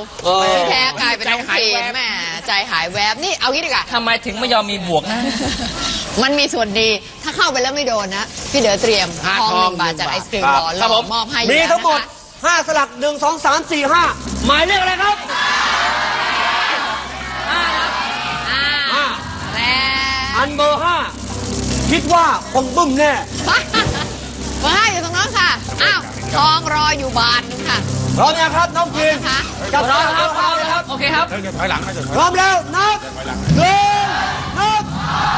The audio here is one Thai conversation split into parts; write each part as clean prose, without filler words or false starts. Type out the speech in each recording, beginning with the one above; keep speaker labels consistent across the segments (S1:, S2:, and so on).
S1: ที่แท้กลายเป็นน้องพีนแม่ใจหายแวบนี่เอางี้ดีกว่า
S2: ทำไมถึงไม่ยอมมีบวกนะ
S1: มันมีส่วนดีถ้าเข้าไปแล้วไม่โดนนะพี่เด๋อเตรียมทอง1 บาทจากไอศกรีมบอลเรามอบให้
S3: มีทั้งหมด5 สลัก1 2 3 4 5หมายเลขอะไรครับ
S1: 5
S3: อันเบอร์5คิดว่าคงบึ้มแน่
S1: เบอร์5อยู่ตรงนั้นค่ะอ้าวทองรออยู่บาทนึงค่ะ
S3: พร้อมยังครับน้องพีน
S2: จับครับโอเคครับ
S3: ถอยหลังพร้อมแล้วนับนับ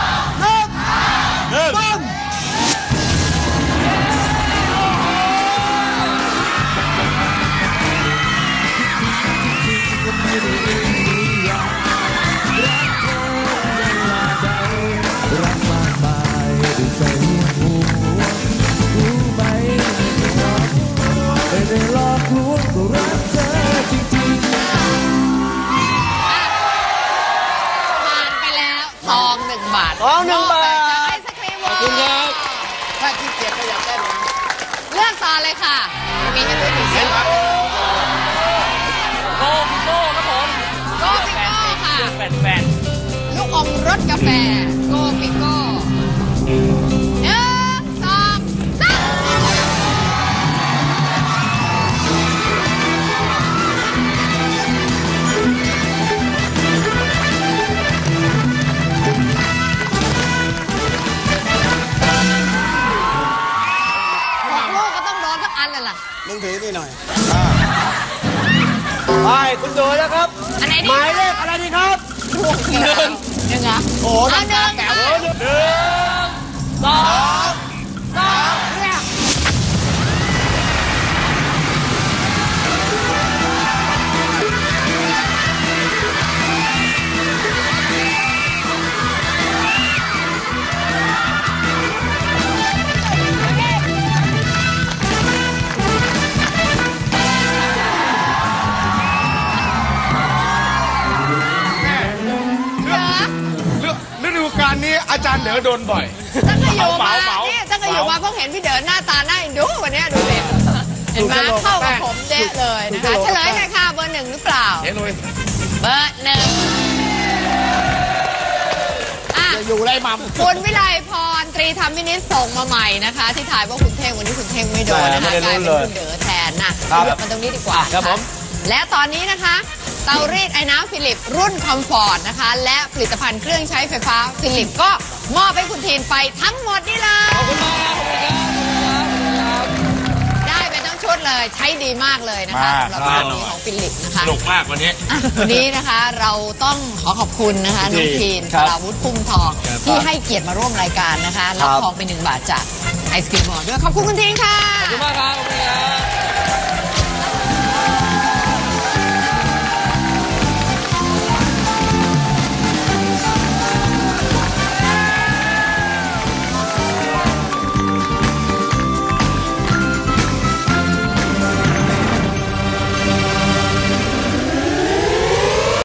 S3: บึ้ม
S1: ทอง1 บาทจากไอศกรีมวอลขอบคุณครับ
S3: ถ้าขี้เกียจก็อยากได้เลย
S1: เลือกต่อเลยค่ะมีให้ดูถึง
S2: โกพิโก้ครับผม
S1: โกพิโก้ค่ะ
S2: แฟน
S1: ลูกอมรสกาแฟโกพิโก้1 2 3
S3: มึงถือนี่หน่อยไปคุณดูแล้วครับหมายเลขอะไรดีครับ
S1: 1ยังไง
S3: โอ้น้ำตาแก้ว1 2 3เนี่ย
S4: นี้อาจารย์เด๋อโดนบ่อย
S1: ตั้งแต่อยู่มาเพราะเห็นพี่เด๋อหน้าตาน่าดูวันนี้ดูเลยเห็นไหมเข้ากับผมเด๊ะเลยนะคะเฉลยหน่อยค่ะเบอร์ 1หรือเปล่า
S4: เฉลย
S1: เบอร์ 1
S3: อยู่ไรมัม
S1: คุณวิไลพรตรีธรรมวินิจส่งมาใหม่นะคะที่ถ่ายว่าคุณเท่งวันนี้คุณเท่งไม่โดนนะคะกลายเป็นคุณเด๋อแทนนะเลือกมันตรงนี้ดีกว่า
S3: ครับผม
S1: และตอนนี้นะคะเตารีดไอ้น้ำฟิลิปรุ่นคอมฟอร์ตนะคะและผลิตภัณฑ์เครื่องใช้ไฟฟ้าฟิลิปก็มอบให้คุณทีนไปทั้งหมดนี่เลย
S2: ขอบคุณมากครับ
S1: ได้ไปทั้งชุดเลยใช้ดีมากเลยนะคะสำหรับรุ่นนี้ของฟิลิปนะคะ
S4: สนุกมากวันนี้
S1: วันนี้นะคะเราต้องขอบคุณนะคะน้องทีนสราวุฒิพุ่มทองที่ให้เกียรติมาร่วมรายการนะคะรับทองไป1 บาทจากไอศกรีมบอลด้วยขอบคุณคุณทีนค่ะ
S2: ขอบคุณมากครับ